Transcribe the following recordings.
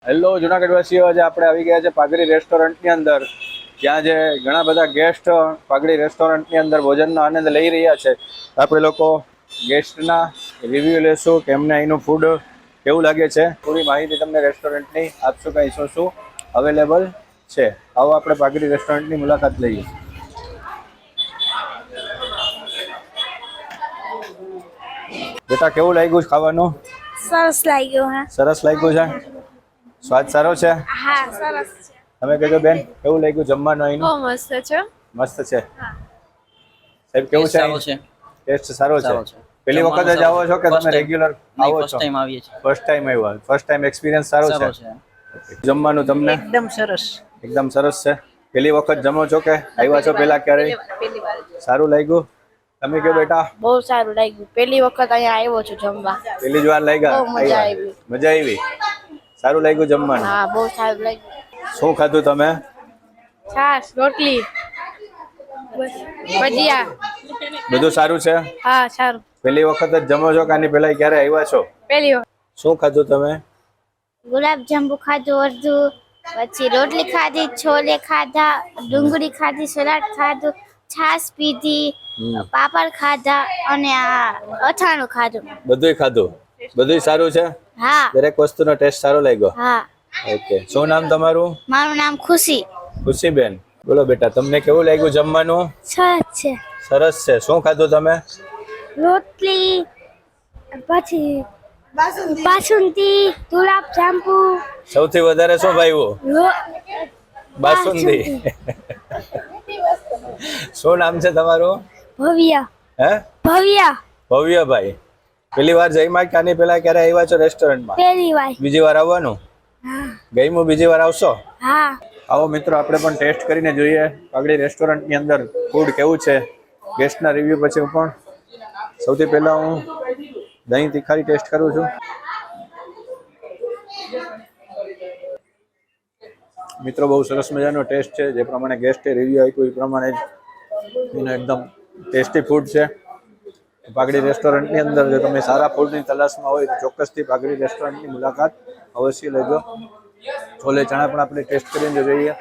Hello Junagadh વાસીઓ, આજે આપણે આવી ગયા છે પાઘડી રેસ્ટોરન્ટની અંદર, જ્યાં જે ઘણા બધા ગેસ્ટ પાઘડી રેસ્ટોરન્ટની અંદર ભોજનનો આનંદ લઈ રહ્યા છે. આપણે લોકો ગેસ્ટના રિવ્યૂ લેશું કે એમને અહીંનું ફૂડ કેવું લાગે છે. પૂરી માહિતી તમને રેસ્ટોરન્ટની આપશું, કંઈ શું શું અવેલેબલ છે. આવો આપણે પાઘડી રેસ્ટોરન્ટની મુલાકાત લઈએ. બેટા, કેવું લાગ્યું ખાવાનું? સરસ લાગ્યું. હા, સરસ લાગ્યું છે. સ્વાદ સારો છે. હા, સરસ છે. તમે કહેજો બેન, કેવું લાગ્યું જમવાનું અહીંનું? બહુ મસ્ત છે. મસ્ત છે. સાહેબ, કેવું છે? ટેસ્ટ સારો છે. પહેલી વખત જ આવો છો કે તમે રેગ્યુલર આવો છો? ફર્સ્ટ ટાઈમ આવ્યા. ફર્સ્ટ ટાઈમ એક્સપિરિયન્સ સારો છે. જમવાનું તમને એકદમ સરસ. એકદમ સરસ છે. પહેલી વખત જમો છો કે આવ્યા છો પહેલા ક્યારેય? સારું લાગ્યું. તમે કહો બેટા. બહુ સારું લાગ્યું. પહેલી વખત અહીંયા આવ્યો છું જમવા. પહેલી જ વાર લાગ્યા? બહુ મજા આવી. મજા આવી. સારું લાગ્યું જમવાનું? હા, બહુ સારું લાગ્યું. શું ખાધું તમે? છાશ, રોટલી, ભજીયા. બધું સારું છે? હા, સારું. પહેલી વખત જ જમો છો કે આની પહેલા ક્યારે આવ્યા છો? પહેલી વખત. શું ખાધું તમે? ગુલાબ જાંબુ ખાધું અડધું, પછી રોટલી ખાધી, છોલે ખાધા, ડુંગળી ખાધી, સલાડ ખાધું, છાશ પીધી, પાપડ ખાધા અને આ અથાણું ખાધું. બધુંય ખાધું? બધુંય સારું છે? હા. દરેક વસ્તુનો ટેસ્ટ સારો લાગ્યો? હા. ઓકે. શું નામ તમારું? મારું નામ ખુશી. ખુશીબેન. બોલો બેટા, તમને કેવું લાગ્યું જમવાનું? સરસ છે. સરસ છે. શું ખાધું તમે? રોટલી, પછી બાસુંદી, ગુલાબ જાંબુ. સૌથી વધારે શું ભાવ્યું? બાસુંદી. શું નામ છે તમારું? ભવ્ય. હે? ભવ્ય. ભવ્યભાઈ. પહેલી વાર જઈમાં કે આની પહેલા ક્યારે આવ્યા છો રેસ્ટોરન્ટમાં? પહેલી વાર. બીજી વાર આવવાનું? હા. ગઈમું બીજી વાર આવશો? હા. આવો મિત્રો, આપણે પણ ટેસ્ટ કરીને જોઈએ પાઘડી રેસ્ટોરન્ટની અંદર ફૂડ કેવું છે. ગેસ્ટના રિવ્યુ પછી હું પણ સૌથી પહેલા હું દહીં તીખારી ટેસ્ટ કરું છું. મિત્રો, બહુ સરસ મજાનો ટેસ્ટ છે. જે પ્રમાણે ગેસ્ટે રિવ્યુ આપ્યું એ પ્રમાણે જ એનો એકદમ ટેસ્ટી ફૂડ છે. પાઘડી રેસ્ટોરન્ટની અંદર જો તમે સારા ફૂડની તલાશમાં હોય તો ચોક્કસથી પાઘડી રેસ્ટોરન્ટની મુલાકાત અવશ્ય લેજો. છોલે ચણા પણ આપણે ટેસ્ટ કરીને જોઈએ.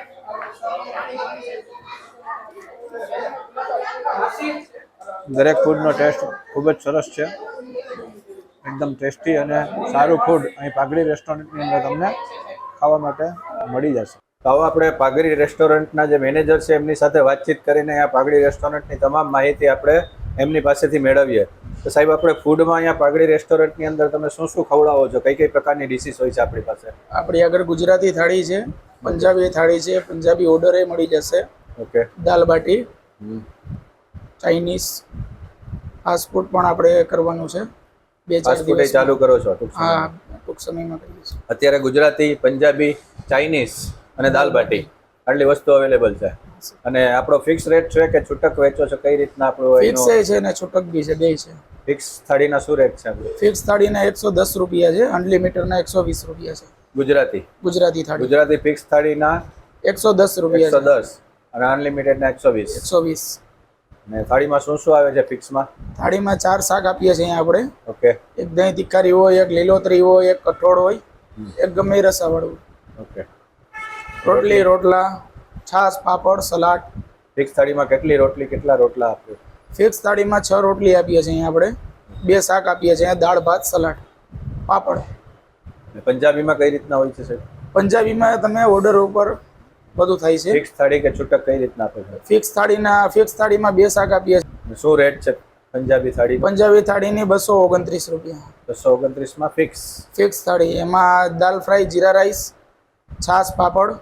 દરેક ફૂડનો ટેસ્ટ ખૂબ જ સરસ છે. એકદમ ટેસ્ટી અને સારું ફૂડ અહીં પાઘડી રેસ્ટોરન્ટની અંદર તમને ખાવા માટે મળી જશે. તો હવે આપણે પાઘડી રેસ્ટોરન્ટના જે મેનેજર છે એમની સાથે વાતચીત કરીને અહીંયા પાઘડી રેસ્ટોરન્ટની તમામ માહિતી આપણે એમની પાસેથી મેળવીએ. તો સાહેબ, આપણે ફૂડમાં અહીંયા પાઘડી રેસ્ટોરન્ટની અંદર તમે શું શું ખવડાવો છો? કઈ કઈ પ્રકારની ડિશિસ હોય છે આપણી પાસે? આપણી આગળ ગુજરાતી થાળી છે, પંજાબી થાળી છે, પંજાબી ઓર્ડરે મળી જશે. Okay. Dal baati, Chinese, fast food પણ આપણે કરવાનું છે. 2-4 દિવસ ચાલુ કરો છો? હા, ટૂંક સમયમાં કરીએ છીએ. અત્યારે ગુજરાતી, પંજાબી, ચાઇનીઝ અને દાલ બાટી આટલી વસ્તુ અવેલેબલ છે. અને આપણો ફિક્સ રેટ છે કે છૂટક વેચો છો? કઈ રીતના આપણો ફિક્સ છે ને છૂટક બી છે, બે છે. ફિક્સ થાળીના શું રેટ છે? ફિક્સ થાળીના 110 રૂપિયા છે, અનલિમિટેડના 120 રૂપિયા છે. ગુજરાતી થાળી ગુજરાતી ફિક્સ થાળીના 110 રૂપિયા 110 અને અનલિમિટેડના 120. 120. અને થાળીમાં શું શું આવે છે ફિક્સમાં? થાળીમાં 4 શાક આપીએ છીએ અહીંયા આપણે. ઓકે. એક દહીં તીખારી હોય, એક લીલોતરી હોય, એક કઠોળ હોય, એક ગમે એ રસાવાળું. ઓકે. રોટલી, રોટલા, છાશ, પાપડ, સલાડ. ફિક્સ થાળીમાં કેટલી રોટલી, કેટલા રોટલા આપો? ફિક્સ થાળીમાં 6 રોટલી આપીએ છીએ અહીંયા આપણે, 2 શાક આપીએ છીએ, દાળ ભાત, સલાડ, પાપડ. પંજાબીમાં કઈ રીતના હોય છે સાહેબ? પંજાબીમાં તમે ઓર્ડર ઉપર બધું થાય છે. ફિક્સ થાળી કે છૂટક કઈ રીતના આપો છો? ફિક્સ થાળીમાં 2 શાક આપીએ છીએ. શું રેટ છે પંજાબી થાળી? પંજાબી થાળીની 229 રૂપિયા. 229માં ફિક્સ થાળી. એમાં દાલ ફ્રાય, જીરા રાઈસ, છાશ, પાપડ,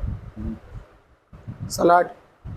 સલાડ,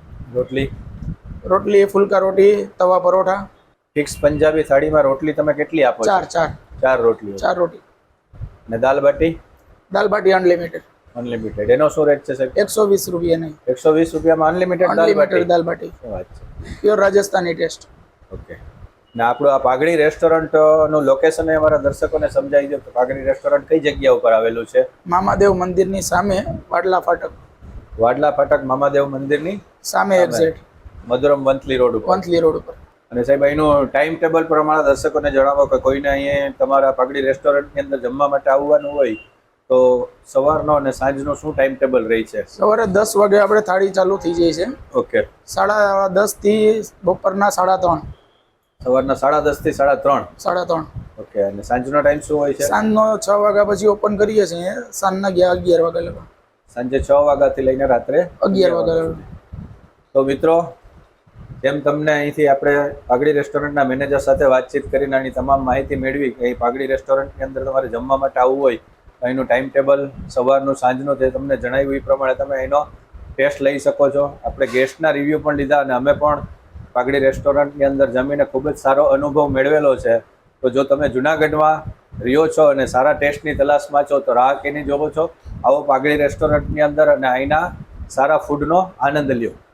રોટલી, ફુલકા રોટી, તવા પરોઠા. ફિક્સ પંજાબી થાળીમાં રોટલી તમે કેટલી આપો છો? 4 રોટલી. 4 રોટી. અને દાલ બાટી? દાલ બાટી અનલિમિટેડ. એનો શું રેટ છે સાહેબ? 120 રૂપિયા નહીં. 120 રૂપિયામાં અનલિમિટેડ દાલ બાટી. શું વાત છે? Pure Rajasthani taste. ઓકે. ને આપણું આ પાઘડી રેસ્ટોરન્ટનું લોકેશન અમારા દર્શકોને સમજાવી દો. પાઘડી રેસ્ટોરન્ટ કઈ જગ્યા ઉપર આવેલું છે? મામાદેવ મંદિરની સામે, વાડલા ફાટક. મામાદેવ મંદિરની સામે એક્ઝેક્ટ મધુરમ વંથલી રોડ ઉપર. અને સાહેબ, અહીંનું ટાઈમ ટેબલ પ્રમાણે દર્શકોને જણાવો કે કોઈને અહીંયા તમારા પાઘડી રેસ્ટોરન્ટની અંદર જમવા માટે આવવાનું હોય તો સવારનો અને સાંજનો શું ટાઈમ ટેબલ રહી છે? સવારે 10 વાગે આપણે થાળી ચાલુ થઈ જાય છે. ઓકે. 10:30 થી બપોરના 3:30. સવારના 10:30 થી 3:30. 3:30. ઓકે. અને સાંજનો ટાઈમ શું હોય છે? સાંજનો 6 વાગ્યા પછી ઓપન કરીએ છીએ. સાંજના 11 વાગ્યા લગા. સાંજે 6 વાગ્યાથી લઈને રાત્રે 11 વાગ્યા લગા. તો મિત્રો, જેમ તમને અહીંથી આપણે પાઘડી રેસ્ટોરન્ટના મેનેજર સાથે વાતચીત કરીને આની તમામ માહિતી મેળવી કે અહીં પાઘડી રેસ્ટોરન્ટની અંદર તમારે જમવા માટે આવવું હોય તો અહીંનું ટાઈમ ટેબલ સવારનું સાંજનું તે તમને જણાવ્યું એ પ્રમાણે તમે એનો ટેસ્ટ લઈ શકો છો. આપણે ગેસ્ટના રિવ્યૂ પણ લીધા અને અમે પણ પાઘડી રેસ્ટોરન્ટની અંદર જમીને ખૂબ જ સારો અનુભવ મેળવેલો છે. તો જો તમે જુનાગઢમાં રહ્યો છો અને સારા ટેસ્ટની તલાશમાં છો તો રાહ કેની જોવો છો, આવો પાઘડી રેસ્ટોરન્ટની અંદર અને અહીંના સારા ફૂડનો આનંદ લ્યો.